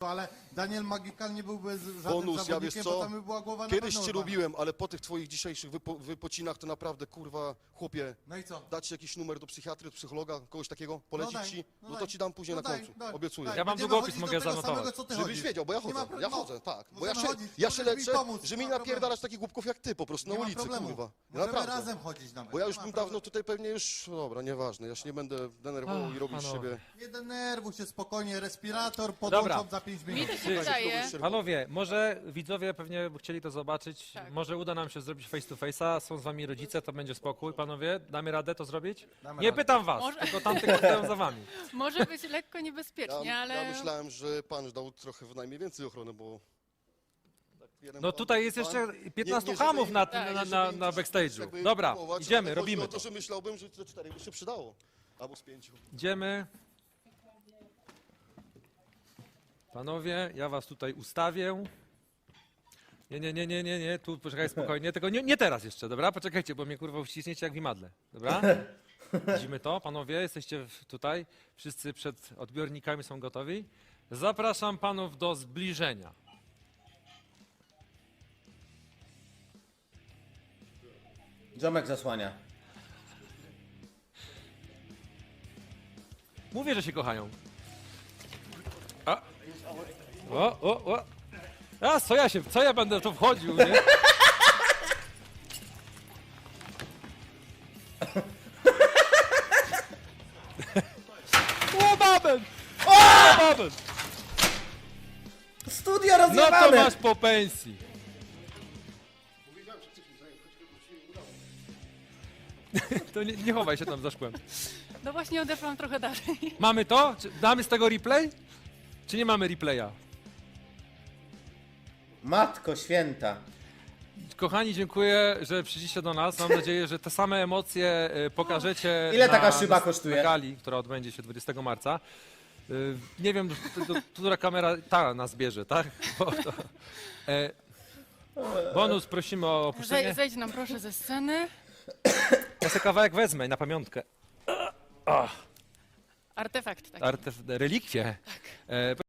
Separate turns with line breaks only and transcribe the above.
ale Daniel Magical nie byłby żadnym
Bonus, ja
zawodnikiem,
wiesz co?
bo tam by była głowa na
Kiedyś
pewno
cię
urwana.
lubiłem, ale po tych twoich dzisiejszych wypocinach to naprawdę, kurwa, chłopie,
No i co?
dać ci jakiś numer do psychiatry, do psychologa, kogoś takiego, polecić
daj,
ci,
no
no
daj.
to ci dam później
No
na
daj,
końcu,
daj,
obiecuję.
daj.
Ja mam
Będziemy
długopis,
chodzić
mogę
do tego
zanotować.
samego, co ty
Żebyś
chodzisz.
wiedział, bo ja
Nie ma
chodzę,
problemu.
ja chodzę, tak. Bo
Możemy chodzić,
ja się
możesz mi
leczę,
pomóc,
że
nie
mi
ma
napierdalasz takich głupków jak ty po prostu
Nie
na
ma
ulicy,
problemu.
kurwa.
Możemy
Naprawdę.
razem chodzić nawet.
Bo ja
Nie
już
ma
bym
problemu.
dawno tutaj pewnie już, dobra, nieważne, ja się nie będę denerwował i robił z
panowie.
siebie.
Nie denerwuj się spokojnie, respirator
Dobra.
podłączą za 5 minut.
Mi to się wydaje,
Panowie, może widzowie pewnie by chcieli to zobaczyć,
Tak.
może uda nam się zrobić face to face'a, są z wami rodzice, to będzie spokój. Panowie, damy radę to zrobić?
Damy
Nie
radę.
pytam was,
Może-
tylko tamtych stoją za wami.
może być lekko niebezpiecznie, ale...
Ja myślałem, że pan dał trochę najmniej więcej ochrony, bo... tak jeden
No
pan-
tutaj jest
pan-
jeszcze 15
nie,
hamów
żeby-
na,
tak,
na,
żeby
na,
im
na
coś
backstage'u.
jakby
Dobra,
kupować,
idziemy,
ale chodzi
robimy
o to,
to.
że myślałbym, że te 4 by się przydało. Albo z 5.
Idziemy. Panowie, ja was tutaj ustawię. Nie, tu poczekaj spokojnie, tego nie teraz jeszcze, dobra? Poczekajcie, bo mnie kurwa uściśniecie jak w imadle, dobra? Widzimy to, panowie, jesteście tutaj, wszyscy przed odbiornikami są gotowi. Zapraszam panów do zbliżenia.
Ziomek zasłania.
Mówię, że się kochają. A. O. A, co ja będę w to wchodził, nie? O, babem! O, babem!
Studio
No to
rozjebane!
masz po pensji. To nie chowaj się tam za szkłem.
No właśnie odeszłam trochę dalej.
Mamy to? Damy z tego replay? Czy nie mamy replaya?
Matko święta.
Kochani, dziękuję, że przyszliście do nas. Mam nadzieję, że te same emocje pokażecie
Ile
na,
taka szyba kosztuje?
na gali, która odbędzie się 20 marca. Nie wiem, która kamera ta nas bierze, tak? Bonus prosimy o opuszczenie.
Zejdź nam proszę ze sceny.
Ja sobie kawałek wezmę na pamiątkę.
Artefakt taki.
Relikwie.